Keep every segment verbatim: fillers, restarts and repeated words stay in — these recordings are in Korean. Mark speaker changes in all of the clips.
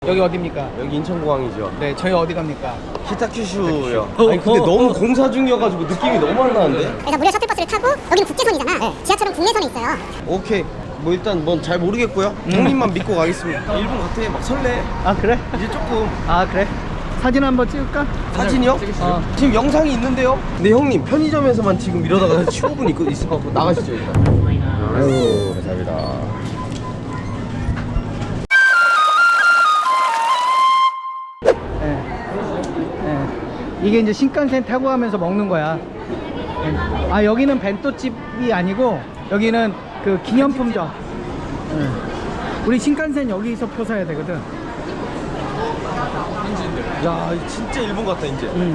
Speaker 1: 여기 어디입니까?
Speaker 2: 여기 인천공항이죠.
Speaker 1: 네, 저희 어디 갑니까?
Speaker 2: 키타큐슈요. 아니 근데 너무 공사 중이어가지고 느낌이 너무 안 나는데?
Speaker 3: 그래서 무료 셔틀버스를 타고 여기는 국제선이잖아. 네. 지하철은 국내선에 있어요.
Speaker 2: 오케이. 뭐 일단 뭔 잘 모르겠고요.
Speaker 1: 음.
Speaker 2: 형님만 믿고 가겠습니다. 일본 같아. 막 설레.
Speaker 1: 아 그래?
Speaker 2: 이제 조금.
Speaker 1: 아 그래? 사진 한번 찍을까?
Speaker 2: 사진이요?
Speaker 1: 어.
Speaker 2: 지금 영상이 있는데요? 근데 형님 편의점에서만 지금 이러다가 십오 분 있, 있을 것 같고 나가시죠 일단. 아유 감사합니다.
Speaker 1: 네. 네. 이게 이제 신칸센 타고 가면서 먹는 거야. 네. 아 여기는 벤또집이 아니고 여기는 그 기념품점. 네. 우리 신칸센 여기서 표 사야 되거든.
Speaker 2: 야 진짜 일본 같다 이제.
Speaker 1: 음.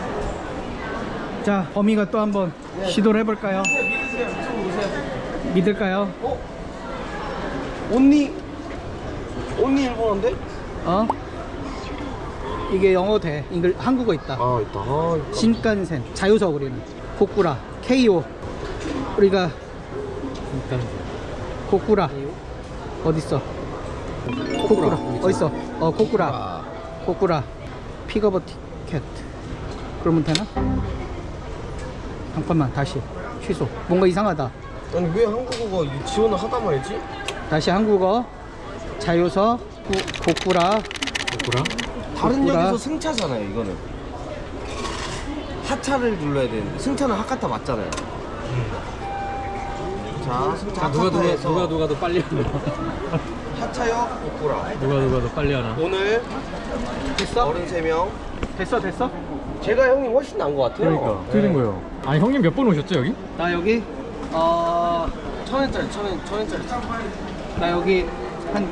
Speaker 1: 자 범이가 또 한번 시도를 해볼까요?
Speaker 2: 믿으세요. 이쪽으로 오세요.
Speaker 1: 믿을까요?
Speaker 2: 어? 언니? 언니 일본어인데?
Speaker 1: 어? 이게 영어 돼. 인글 한국어 있다.
Speaker 2: 아 있다. 아, 있다.
Speaker 1: 신칸센 자유석 우리는 고쿠라 케이오 우리가 고쿠라 어딨어? 고쿠라 어딨어? 어 고쿠라 고쿠라 픽업 티켓 그러면 되나? 잠깐만 다시 취소 뭔가 이상하다.
Speaker 2: 아니 왜 한국어가 이 지원을 하다 말지?
Speaker 1: 다시 한국어 자유석 고, 고쿠라
Speaker 2: 뭐라? 다른
Speaker 1: 고쿠라.
Speaker 2: 역에서 승차잖아요 이거는. 하차를 눌러야 되는데 승차는 하카타 맞잖아요. 자 승차
Speaker 4: 아, 누가 누가
Speaker 2: 하카타에서
Speaker 4: 누가 누가 더 빨리 하나?
Speaker 2: 하차역 고쿠라.
Speaker 4: 누가 누가 더 빨리 하나?
Speaker 2: 오늘
Speaker 1: 됐어?
Speaker 2: 어른 세 명.
Speaker 1: 됐어 됐어?
Speaker 2: 제가 형님 훨씬 나은 것 같아요.
Speaker 4: 그러니까 어떻게 된 거예요? 아니 형님 몇 번 오셨죠 여기?
Speaker 1: 나 여기 어...
Speaker 2: 천 원짜리 천 원, 천 원짜리.
Speaker 1: 나 여기 한,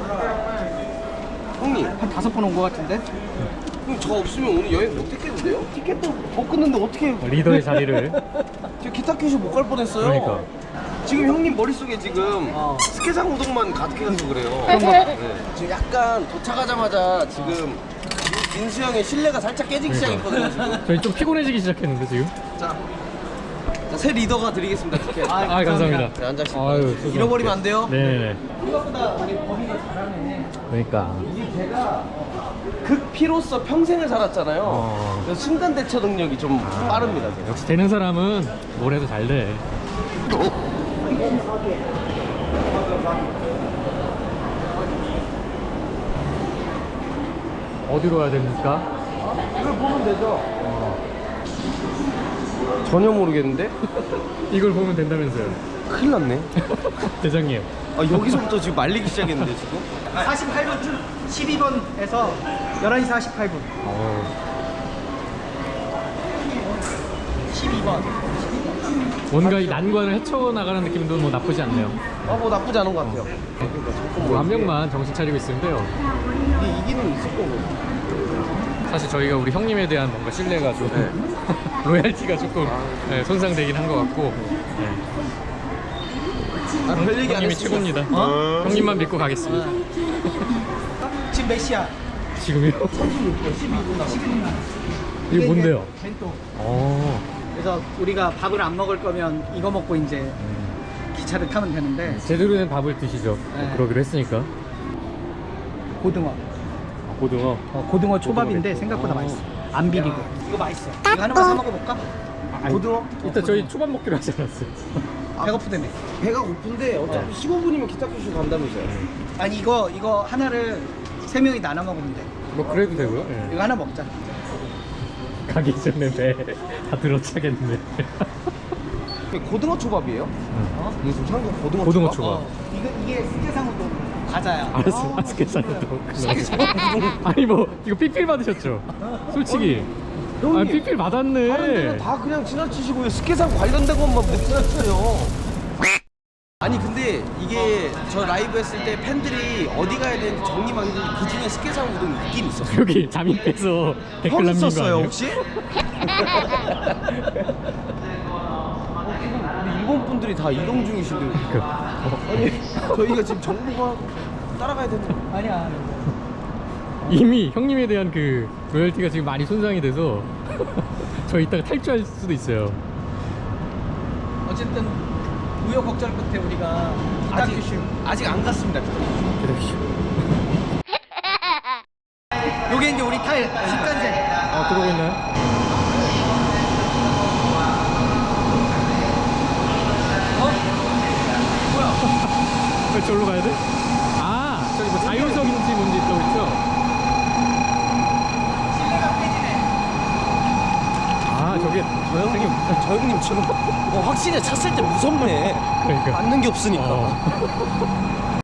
Speaker 2: 형님,
Speaker 1: 한 다섯 번 온 것 같은데?
Speaker 2: 형님 저 없으면 오늘 여행 못 했겠는데요? 티켓도 못 끊는데 어떻게?
Speaker 4: 리더의 자리를.
Speaker 2: 저 기타 큐슈 못 갈 뻔했어요.
Speaker 4: 그러니까.
Speaker 2: 지금 형님 머릿속에 지금
Speaker 1: 어.
Speaker 2: 스케장 우동만 가득해가지고 그래요.
Speaker 1: 그런 거.
Speaker 2: 네. 지금 약간 도착하자마자 지금 민수 형의 신뢰가 살짝 깨지기 시작했거든요. 지금.
Speaker 4: 저희 좀 피곤해지기 시작했는데 지금.
Speaker 2: 자, 자, 새 리더가 드리겠습니다. 티켓.
Speaker 1: 아,
Speaker 4: 아 감사합니다.
Speaker 2: 네, 앉아시고.
Speaker 4: 아유, 죄송합니다.
Speaker 2: 잃어버리면 안 돼요.
Speaker 4: 네네네.
Speaker 1: 생각보다 우리 범이가 잘하네.
Speaker 4: 그러니까.
Speaker 2: 이게 제가 극피로서 평생을 살았잖아요.
Speaker 4: 어.
Speaker 2: 그래서 순간 대처 능력이 좀 빠릅니다. 제가.
Speaker 4: 역시 되는 사람은 뭘 해도 잘 돼. 어디로 가야 됩니까?
Speaker 2: 이걸 보면 되죠. 전혀 모르겠는데?
Speaker 4: 이걸 보면 된다면서요.
Speaker 2: 큰일 났네.
Speaker 4: 대장님.
Speaker 2: 아, 여기서부터 지금 말리기 시작했는데 지금?
Speaker 1: 사십팔 번 줄 십이 번에서 열한 시 사십팔 분
Speaker 4: 어.
Speaker 1: 십이 번
Speaker 4: 뭔가 이 난관을 헤쳐나가는 느낌도 뭐 나쁘지 않네요.
Speaker 2: 아, 뭐 나쁘지 않은 것 같아요.
Speaker 4: 뭐 한 명만 정신 차리고 있으면 돼요.
Speaker 2: 이게 이기는 있을 거고.
Speaker 4: 사실 저희가 우리 형님에 대한 뭔가 신뢰가 좀
Speaker 2: 네.
Speaker 4: 로얄티가 조금 네, 손상되긴 한 것 같고 네.
Speaker 2: 아, 별 얘기 안
Speaker 4: 형님이
Speaker 2: 했습니다.
Speaker 4: 최고입니다.
Speaker 2: 어?
Speaker 4: 형님만 믿고 가겠습니다.
Speaker 1: 지금 몇 시야?
Speaker 4: 지금이요?
Speaker 1: 십이 분 남았어.
Speaker 4: 이게 뭔데요?
Speaker 1: 벤또.
Speaker 4: 어.
Speaker 1: 그래서 우리가 밥을 안 먹을 거면 이거 먹고 이제 기차를 타면 되는데
Speaker 4: 제대로 된 밥을 드시죠.
Speaker 1: 네.
Speaker 4: 그러기로 했으니까.
Speaker 1: 고등어
Speaker 4: 고등어.
Speaker 1: 어, 고등어 초밥인데
Speaker 4: 맵고.
Speaker 1: 생각보다
Speaker 4: 어.
Speaker 1: 맛있어. 안 비리고 이거 맛있어. 이거 하나만 사 먹어볼까?
Speaker 2: 고등어?
Speaker 4: 이따 저희 초밥 먹기로 하지 않았어요?
Speaker 1: 배고프다며.
Speaker 2: 배가 고픈데 어차피 십오 분이면 기타 큐슈 간다면서요.
Speaker 1: 아니 이거 이거 하나를 세 명이 나눠 먹으면 돼.
Speaker 4: 뭐 그래도 되고요. 예.
Speaker 1: 이거 하나 먹자.
Speaker 4: 가기 전에 배 다 들어차겠네.
Speaker 2: 이게 고등어 초밥이에요?
Speaker 1: 어?
Speaker 2: 무슨 한국 고등어,
Speaker 4: 고등어
Speaker 2: 초밥?
Speaker 4: 초밥.
Speaker 1: 어, 이거 이게 스케상우동 과자야.
Speaker 4: 알았어. 아, 스케치도. 아니 뭐 이거 삐필 받으셨죠? 솔직히.
Speaker 2: 형님,
Speaker 4: 아 삐필
Speaker 2: 다른 데는
Speaker 4: 받았네.
Speaker 2: 다 그냥 지나치시고 왜 스케상 관련된 것만 못 지나치세요? 아니 근데 이게 저 라이브 했을 때 팬들이 어디 가야 되는지 정리만 했는데 그 중에 스케상 우동이 있긴 있었어요.
Speaker 4: 여기 잠입 빼서 댓글
Speaker 2: 형
Speaker 4: 남긴 거
Speaker 2: 있었어요
Speaker 4: 아니에요?
Speaker 2: 혹시? 우리 일본 분들이 다 이동 중이신데
Speaker 4: 그,
Speaker 2: 아니 저희가 지금 정보가 따라가야 되는데
Speaker 1: 아니야.
Speaker 4: 이미 형님에 대한 그 로열티가 지금 많이 손상이 돼서 저 이따가 탈주할 수도 있어요.
Speaker 1: 어쨌든 우여곡절 끝에 우리가
Speaker 2: 아직
Speaker 1: 기타큐슈
Speaker 2: 아직 안 갔습니다.
Speaker 4: 기다리시오.
Speaker 1: 요게 이제 우리 탈 신칸센.
Speaker 4: 아 들어오고 있나요? 왜 저기로 가야 돼? 아 저기 뭐 자율석인지 뭔지 있다고 했죠? 아 저게
Speaker 2: 저 형님, 저 형님 지금 어, 확실히 찼을 때 무섭네.
Speaker 4: 그러니까
Speaker 2: 맞는 게 없으니까.
Speaker 4: 어.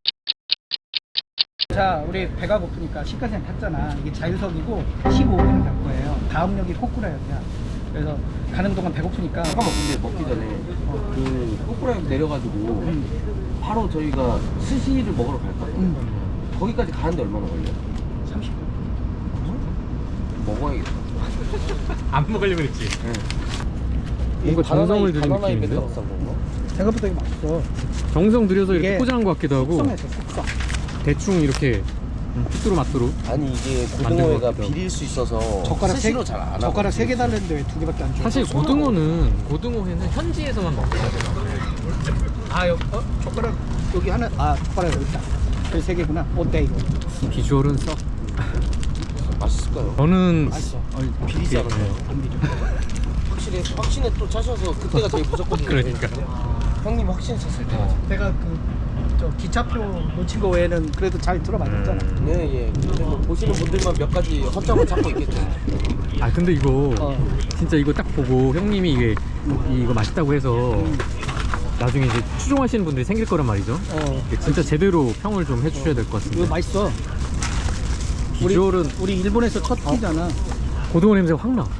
Speaker 1: 자, 우리 배가 고프니까 신칸센 탔잖아. 이게 자유석이고 십오 분을 갈 거예요. 다음 역이 코쿠라역이야. 그래서 가는 동안 배고프니까.
Speaker 2: 잠깐만, 근데 먹기 전에 그 꼬꾸라역 내려가지고
Speaker 1: 음,
Speaker 2: 바로 저희가 스시를 먹으러 갈 거예요.
Speaker 1: 음,
Speaker 2: 거기까지 가는데 얼마나 걸려요?
Speaker 1: 삼십 분.
Speaker 2: 먹어야겠다.
Speaker 4: 안 먹으려고 그랬지?
Speaker 2: 이
Speaker 4: 뭔가
Speaker 2: 바나나-
Speaker 4: 정성을 들인
Speaker 2: 바나나에
Speaker 4: 느낌인데?
Speaker 2: 뱉어서 싼 건가?
Speaker 1: 생각보다 이게 맛있어.
Speaker 4: 정성 들여서 이렇게
Speaker 1: 이게
Speaker 4: 포장한 것 같기도 하고
Speaker 1: 숙성해서 숙성.
Speaker 4: 대충 이렇게 뚜루 맛뚜루
Speaker 2: 아니 이게
Speaker 4: 만든
Speaker 2: 고등어회가
Speaker 4: 것 같기도 하고.
Speaker 2: 비릴 수 있어서
Speaker 1: 젓가락 세
Speaker 2: 스시로 잘 안 하고
Speaker 1: 젓가락 세 개 달랬는데 왜 두 개밖에 안 줘?
Speaker 4: 사실 고등어는 고등어회는 현지에서만 먹어야 돼요.
Speaker 1: 아, 여기 어? 젓가락 여기 하나. 아, 젓가락 여기 있다. 그래 세 개구나. 어때 이거?
Speaker 4: 비주얼은 썩.
Speaker 2: 맛있을까요?
Speaker 4: 저는
Speaker 1: 맛있어.
Speaker 2: 비리지
Speaker 4: 이렇게,
Speaker 2: 않아요?
Speaker 1: 안 비려.
Speaker 2: 확실히 확신에 또 차셔서 그때가 제일 무섭거든요.
Speaker 4: 그러니까.
Speaker 2: 형님 확신에 찼을 때.
Speaker 1: 내가 그 저 기차표 놓친 거 외에는 그래도 잘 들어맞았잖아.
Speaker 4: 음.
Speaker 2: 네, 예. 근데 뭐 보시는 분들만 몇 가지 허점을 찾고 있겠죠.
Speaker 4: 아 근데 이거
Speaker 1: 어.
Speaker 4: 진짜 이거 딱 보고 형님이 이게 이거 맛있다고 해서
Speaker 1: 음.
Speaker 4: 나중에 이제 추종하시는 분들이 생길 거란 말이죠.
Speaker 1: 어.
Speaker 4: 이게 진짜 제대로 평을 좀 해주셔야 될 것
Speaker 1: 이거
Speaker 4: 같습니다.
Speaker 1: 맛있어. 우리,
Speaker 4: 비주얼은
Speaker 1: 우리 일본에서 첫 끼잖아.
Speaker 4: 고등어 냄새가 확 나.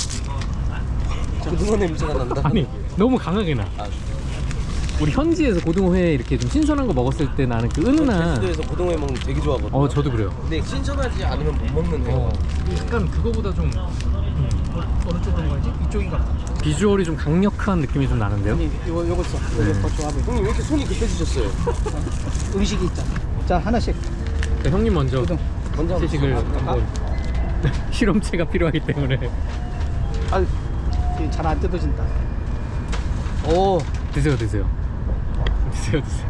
Speaker 2: 고등어 냄새가 난다.
Speaker 4: 아니 너무 강하게 나.
Speaker 2: 아,
Speaker 4: 우리 현지에서 고등어회 이렇게 좀 신선한 거 먹었을 때 나는 그 은은한.
Speaker 2: 제주도에서 고등어회 먹는 거 되게 좋아하거든요.
Speaker 4: 어 저도 그래요.
Speaker 2: 근데 신선하지 않으면 못 먹는 회.
Speaker 4: 어, 약간 그거보다 좀
Speaker 1: 어느 쪽으로 가야지? 이쪽인가 보다.
Speaker 4: 비주얼이 좀 강력한 느낌이 좀 나는데요.
Speaker 1: 아니, 이거 요거 써. 이거
Speaker 4: 네.
Speaker 1: 더 좋아 보여.
Speaker 2: 형님 왜 이렇게 손이 급해지셨어요?
Speaker 1: 음식이 있잖아. 자, 하나씩.
Speaker 4: 자, 형님 먼저
Speaker 1: 고등.
Speaker 2: 먼저 한번
Speaker 4: 시식을
Speaker 2: 드셔보세요.
Speaker 4: 한번 실험체가 필요하기 때문에
Speaker 1: 아, 잘 안 뜯어진다. 오,
Speaker 4: 드세요 드세요 드세요 드세요.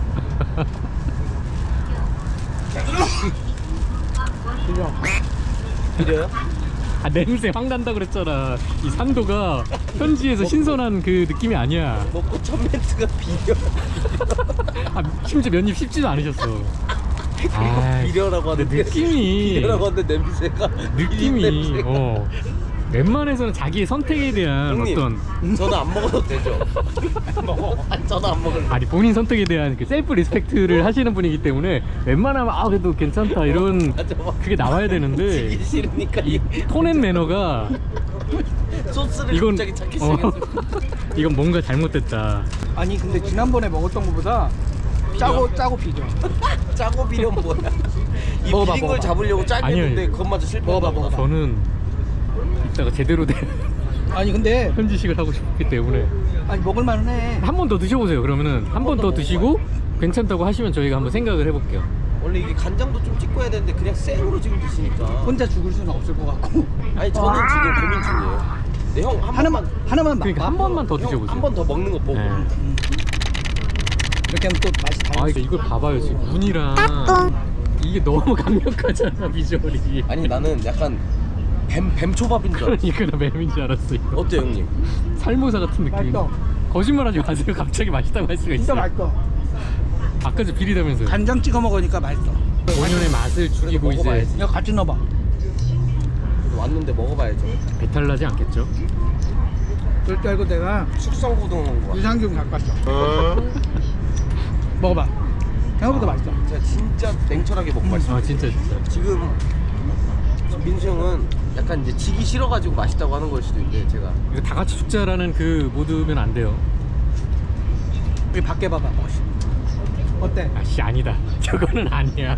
Speaker 1: 그죠?
Speaker 2: 비려요?
Speaker 4: 아 냄새 확 난다 그랬잖아. 이 산도가 현지에서 신선한 그 느낌이 아니야.
Speaker 2: 먹고 첫 멘트가 비려.
Speaker 4: 아 심지어 면입 씹지도 않으셨어. 아
Speaker 2: 비려라고 하는데
Speaker 4: 느낌이
Speaker 2: 비려라고 하는데 냄새가
Speaker 4: 느낌이
Speaker 2: 비린 냄새가.
Speaker 4: 어 웬만해서는 자기의 선택에 대한
Speaker 2: 형님,
Speaker 4: 어떤
Speaker 2: 저는 안 먹어도 되죠? 먹어. 저는 안 먹을래.
Speaker 4: 아니 본인 선택에 대한 그 셀프 리스펙트를 하시는 분이기 때문에 웬만하면 아 그래도 괜찮다 이런
Speaker 2: 맞아, 맞아.
Speaker 4: 그게 나와야 되는데
Speaker 2: 지기 싫으니까
Speaker 4: 이
Speaker 2: 이
Speaker 4: 톤앤 매너가
Speaker 2: 소스를
Speaker 4: 이건
Speaker 2: 갑자기 찾기
Speaker 4: 어,
Speaker 2: 시작했어.
Speaker 4: 이건 뭔가 잘못됐다.
Speaker 1: 아니, 근데 지난번에 먹었던 거보다 짜고, 짜고 비죠.
Speaker 2: 짜고 비려면 뭐야? 이
Speaker 1: 먹어봐,
Speaker 2: 비린 걸
Speaker 1: 먹어봐.
Speaker 2: 잡으려고 짜게
Speaker 4: 아니요,
Speaker 2: 했는데
Speaker 4: 이거.
Speaker 2: 그것마저 실패한
Speaker 1: 먹어봐,
Speaker 2: 거다.
Speaker 1: 먹어봐.
Speaker 4: 저는 이따가 제대로 된
Speaker 1: 아니, 근데,
Speaker 4: 현지식을 하고 싶기 때문에
Speaker 1: 아니, 먹을만은 해.
Speaker 4: 한 번 더 드셔보세요. 그러면은 한 번 더 드시고 괜찮다고 하시면 저희가 한번 생각을 해볼게요.
Speaker 2: 원래 이게 간장도 좀 찍고 해야 되는데 그냥 생으로 지금 드시니까.
Speaker 1: 혼자 죽을 수는 없을 것 같고.
Speaker 2: 아니 저는 지금 고민 중이에요. 네, 형 한
Speaker 1: 하나만, 하나만
Speaker 4: 그러니까
Speaker 1: 맛-
Speaker 4: 한 번만 더 드셔보세요.
Speaker 2: 한 번 더 먹는 거 보고.
Speaker 4: 네.
Speaker 1: 이렇게 하면 또 맛이
Speaker 4: 아
Speaker 1: 달라져.
Speaker 4: 이제 이걸 봐봐요 지금 눈이랑 이게 너무 강력하잖아 비주얼이.
Speaker 2: 아니 나는 약간 뱀 뱀초밥인 줄 알았어.
Speaker 4: 그러니까 나 뱀인 줄 알았어. 이거.
Speaker 2: 어때 형님?
Speaker 4: 살모사 같은 느낌.
Speaker 1: 맛있어.
Speaker 4: 거짓말하지 마세요. 갑자기 맛있다고 할 수가
Speaker 1: 진짜
Speaker 4: 있어요.
Speaker 1: 맛있어.
Speaker 4: 아까 저 비리다면서요.
Speaker 1: 간장 찍어 먹으니까 맛있어.
Speaker 4: 본연의 맛을 죽이고 이제
Speaker 2: 먹어봐야지.
Speaker 1: 이거 같이 넣어봐.
Speaker 2: 왔는데 먹어봐야죠.
Speaker 4: 배탈 나지 않겠죠?
Speaker 1: 그럴 줄 알고 내가
Speaker 2: 숙성 고등어 먹은 거.
Speaker 1: 유산균 갖고 왔어. 먹어봐. 생각보다 맛있어.
Speaker 2: 제가 진짜 냉철하게 먹고 말씀.
Speaker 4: 아 진짜 진짜.
Speaker 2: 지금 민수 형은 약간 이제 지기 싫어가지고 맛있다고 하는 걸 수도 있는데 제가
Speaker 4: 이거 다 같이 죽자라는 그 모드면 안 돼요.
Speaker 1: 여기 밖에 봐봐. 멋있. 어때?
Speaker 4: 아씨 아니다. 저거는 아니야.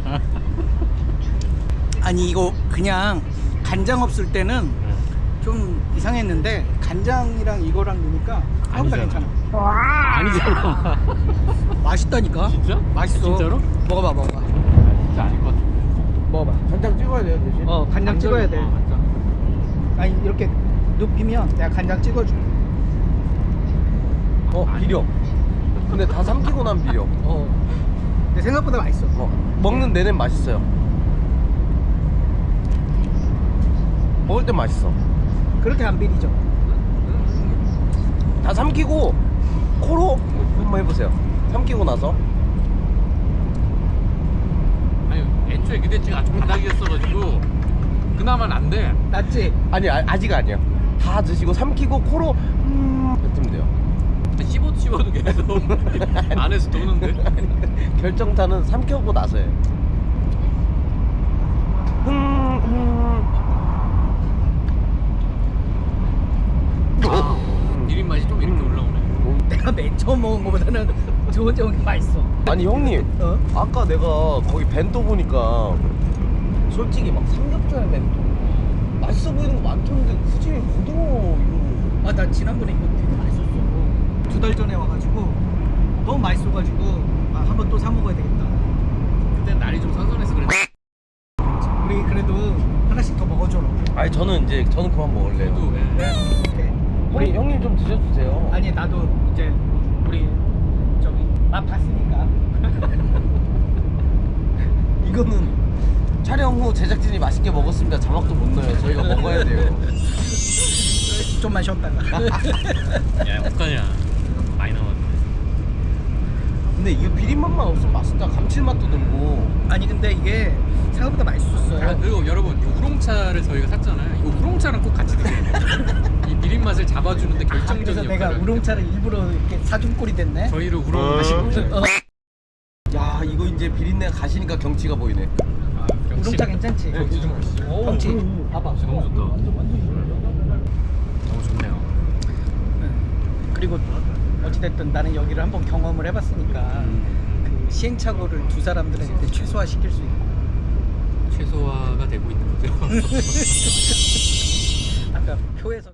Speaker 1: 아니 이거 그냥 간장 없을 때는 좀 이상했는데 간장이랑 이거랑 넣으니까 생각보다
Speaker 4: 아니잖아.
Speaker 1: 괜찮아.
Speaker 4: 아니잖아.
Speaker 1: 맛있다니까.
Speaker 4: 진짜?
Speaker 1: 맛있어.
Speaker 4: 진짜로?
Speaker 1: 먹어봐, 먹어봐.
Speaker 4: 진짜 아닐 것 같아.
Speaker 1: 먹어봐.
Speaker 2: 간장 찍어야 돼요 대신.
Speaker 1: 어, 간장 찍어야 돼. 아니 이렇게 눕히면 내가 간장 찍어줄게.
Speaker 2: 어 비려. 근데 다 삼키고 난 비려.
Speaker 1: 어. 근데 생각보다 맛있어.
Speaker 2: 어, 먹는 내내 맛있어요. 이럴 때 맛있어.
Speaker 1: 그렇게 안 비리죠.
Speaker 2: 다 삼키고 코로 한번 해보세요. 삼키고 나서.
Speaker 4: 아니 애초에 그 대칭 아주 바닥이었어가지고 그나마 안돼.
Speaker 1: 낫지?
Speaker 2: 아니 아, 아직 아니야. 다 드시고 삼키고 코로 음 뱉으면 돼요.
Speaker 4: 씹어도 씹어도 계속 안에서 도는데.
Speaker 2: 결정타는 삼켜고 나서예요. 음, 음.
Speaker 4: 아, 비린 맛이 좀 이렇게 올라오네.
Speaker 1: 내가 맨 처음 먹은 거보다는 두 번째 먹은 게 맛있어.
Speaker 2: 아니 형님,
Speaker 1: 어?
Speaker 2: 아까 내가 거기 벤또 보니까 솔직히 막 삼겹살 벤또 맛있어 보이는 거 많던데 굳이 고등어 이거.
Speaker 1: 아, 나 지난번에 이거 되게 맛있었어. 두 달 전에 와가지고 너무 맛있어가지고 아, 한번 또 사 먹어야 되겠다.
Speaker 4: 그때 날이 좀 선선해서 그래.
Speaker 1: 우리 그래도 하나씩 더 먹어줘라.
Speaker 2: 아니 저는 이제 저는 그만 먹을래요.
Speaker 4: 저도 예.
Speaker 1: 네.
Speaker 2: 우리 형님 좀 드셔주세요.
Speaker 1: 아니 나도 이제 우리 저기 맛 봤으니까.
Speaker 2: 이거는 촬영 후 제작진이 맛있게 먹었습니다. 자막도 못 넣어요. 저희가 먹어야 돼요.
Speaker 1: 좀만 쉬었다가.
Speaker 4: 야 어떡하냐. 많이 나왔네.
Speaker 2: 근데 이게 비린맛만 없으면 맛있다. 감칠맛도 들고.
Speaker 1: 아니 근데 이게 생각보다 맛있었어요.
Speaker 4: 아, 그리고 여러분 이 우롱차를 저희가 샀잖아요. 이거 우롱차랑 꼭 같이 드셔야 돼요. 이 비린 맛을 잡아주는데
Speaker 1: 아,
Speaker 4: 결정적인
Speaker 1: 그래서 내가
Speaker 4: 역할을
Speaker 1: 우롱차를 일부러 이렇게 사준 꼴이 됐네.
Speaker 4: 저희를 우롱 마시고
Speaker 1: 어.
Speaker 2: 야 이거 이제 비린내가 가시니까 경치가 보이네.
Speaker 4: 아, 경치.
Speaker 1: 우롱차 괜찮지?
Speaker 4: 경치 좀 보시죠. 오,
Speaker 1: 경치
Speaker 4: 오,
Speaker 1: 봐봐.
Speaker 4: 경치 너무 좋다. 너무 좋네요.
Speaker 1: 그리고 어찌됐든 나는 여기를 한번 경험을 해봤으니까 그 시행착오를 두 사람들한테 최소화 시킬 수 있고.
Speaker 4: 최소화가 되고 있는 거죠.